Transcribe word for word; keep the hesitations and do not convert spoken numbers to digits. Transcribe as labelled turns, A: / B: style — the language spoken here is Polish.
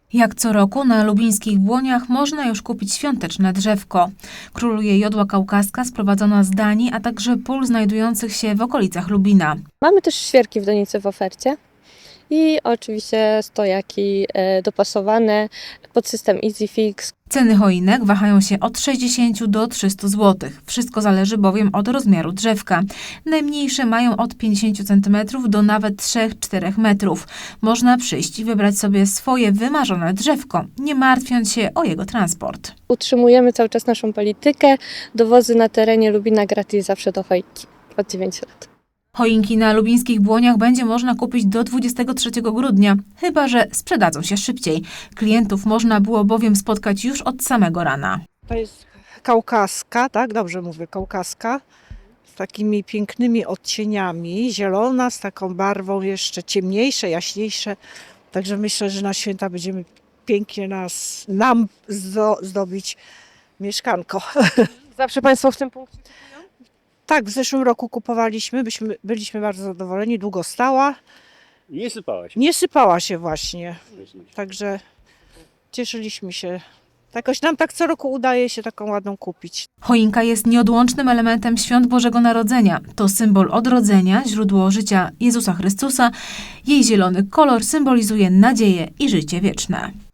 A: Jak co roku na lubińskich Błoniach można już kupić świąteczne drzewko. Króluje jodła kaukaska sprowadzona z Danii, a także pól znajdujących się w okolicach Lubina.
B: Mamy też świerki w donicy w ofercie i oczywiście stojaki e, dopasowane pod system EasyFix.
A: Ceny choinek wahają się od sześćdziesięciu do trzystu złotych. Wszystko zależy bowiem od rozmiaru drzewka. Najmniejsze mają od pięćdziesięciu centymetrów do nawet trzech do czterech metrów. Można przyjść i wybrać sobie swoje wymarzone drzewko, nie martwiąc się o jego transport.
B: Utrzymujemy cały czas naszą politykę. Dowozy na terenie Lubina gratis zawsze do choinki od dziewięciu lat.
A: Choinki na lubińskich Błoniach będzie można kupić do dwudziestego trzeciego grudnia, chyba że sprzedadzą się szybciej. Klientów można było bowiem spotkać już od samego rana.
C: To jest kaukaska, tak? Dobrze mówię, kaukaska. Z takimi pięknymi odcieniami. Zielona, z taką barwą jeszcze ciemniejsze, jaśniejsze. Także myślę, że na święta będziemy pięknie nas, nam zdo, zdobić mieszkanko.
D: Zawsze Państwo w tym punkcie?
C: Tak, w zeszłym roku kupowaliśmy, byśmy, byliśmy bardzo zadowoleni, długo stała.
E: Nie sypała się.
C: Nie sypała się właśnie, także cieszyliśmy się. Jakoś nam tak co roku udaje się taką ładną kupić.
A: Choinka jest nieodłącznym elementem świąt Bożego Narodzenia. To symbol odrodzenia, źródło życia Jezusa Chrystusa. Jej zielony kolor symbolizuje nadzieję i życie wieczne.